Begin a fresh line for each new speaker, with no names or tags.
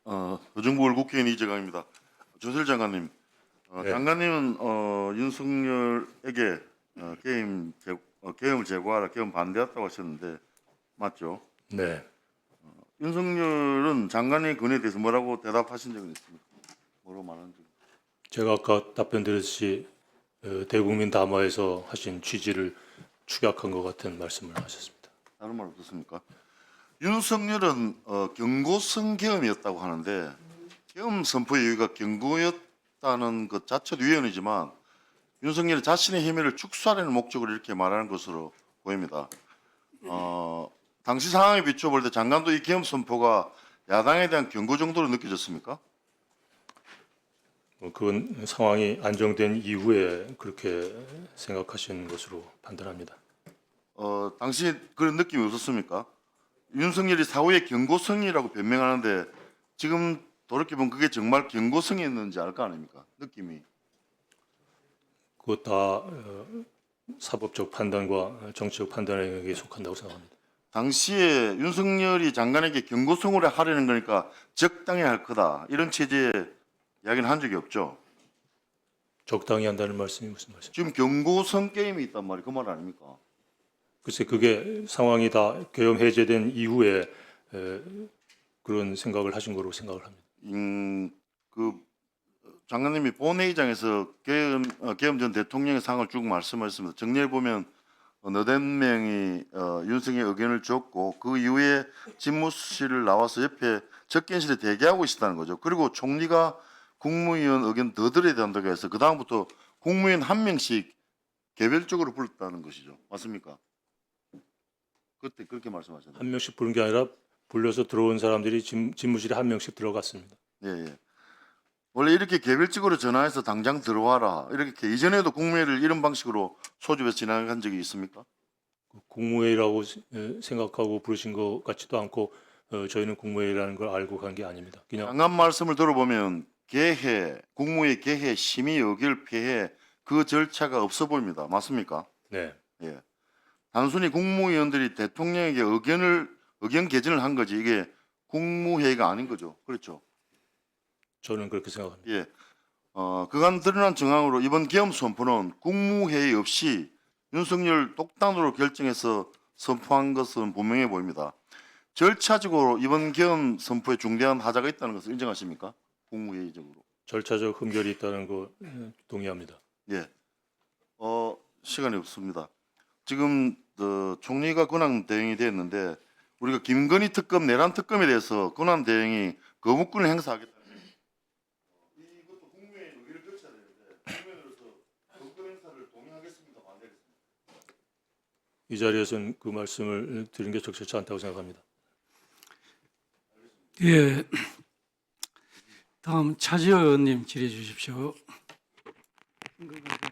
의정부월 국회의원 이재강입니다. 조설 장관님,
네.
장관님은 윤석열에게 계엄을 제거하라, 계엄 반대했다고 하셨는데 맞죠?
네.
윤석열은 장관의 건에 대해서 뭐라고 대답하신 적은 있습니까? 뭐로 말한 적?
제가 아까 답변드렸듯이 대국민 담화에서 하신 취지를 축약한 것 같은 말씀을 하셨습니다.
다른 말 없었습니까? 윤석열은 경고성 계엄이었다고 하는데 계엄 선포의 이유가 경고였다는 것 자체도 위헌이지만 윤석열이 자신의 혐의를 축소하려는 목적으로 이렇게 말하는 것으로 보입니다. 당시 상황에 비춰볼 때 장관도 이 계엄 선포가 야당에 대한 경고 정도로 느껴졌습니까?
그건 상황이 안정된 이후에 그렇게 생각하신 것으로 판단합니다.
당시 그런 느낌이 없었습니까? 윤석열이 사후에 경고성이라고 변명하는데 지금 돌이켜보면 그게 정말 경고성이었는지 알 거 아닙니까? 느낌이.
그것 다 사법적 판단과 정치적 판단에 속한다고 생각합니다.
당시에 윤석열이 장관에게 경고성으로 하려는 거니까 적당히 할 거다 이런 체제의 이야기는 한 적이 없죠.
적당히 한다는 말씀이 무슨 말씀이죠?
지금 경고성 게임이 있단 말이 그 말 아닙니까?
글쎄 그게 상황이 다 계엄 해제된 이후에 그런 생각을 하신 거로 생각을 합니다.
그 장관님이 본회의장에서 계엄 전 대통령의 상을 쭉 말씀하셨습니다. 정리해 보면 너댓 명이 윤석열 의견을 줬고 그 이후에 집무실을 나와서 옆에 접견실에 대기하고 있었다는 거죠. 그리고 총리가 국무위원 의견 더 들어야 된다고 해서 그 다음부터 국무위원 한 명씩 개별적으로 불렀다는 것이죠. 맞습니까? 그때 그렇게 말씀하셨나요?
한 명씩 부른 게 아니라 불려서 들어온 사람들이 집무실에 한 명씩 들어갔습니다.
예, 예. 원래 이렇게 개별적으로 전화해서 당장 들어와라 이렇게 이전에도 국무회의를 이런 방식으로 소집해서 진행한 적이 있습니까?
국무회의라고 생각하고 부르신 것 같지도 않고 저희는 국무회의라는 걸 알고 간 게 아닙니다. 그냥
장관 말씀을 들어보면 국무회의 개회 심의 의결 폐해 그 절차가 없어 보입니다. 맞습니까?
네,
예. 단순히 국무위원들이 대통령에게 의견 개진을 한 거지 이게 국무회의가 아닌 거죠. 그렇죠?
저는 그렇게 생각합니다.
예. 그간 드러난 정황으로 이번 계엄 선포는 국무회의 없이 윤석열 독단으로 결정해서 선포한 것은 분명해 보입니다. 절차적으로 이번 계엄 선포에 중대한 하자가 있다는 것을 인정하십니까? 국무회의적으로.
절차적 흠결이 있다는 거 동의합니다.
예. 시간이 없습니다. 지금 총리가 권한 대행이 됐는데 우리가 김건희 특검, 내란 특검에 대해서 권한 대행이 거부권을 행사하겠다. 이것도 국무회의 의결을 거쳐야 되는데 국무회의로서 거부권 행사를 동의하겠습니까? 반대하겠습니까?
이 자리에서는 그 말씀을 드린 게 적절치 않다고 생각합니다.
예. 다음 차지호 의원님 질의해 주십시오.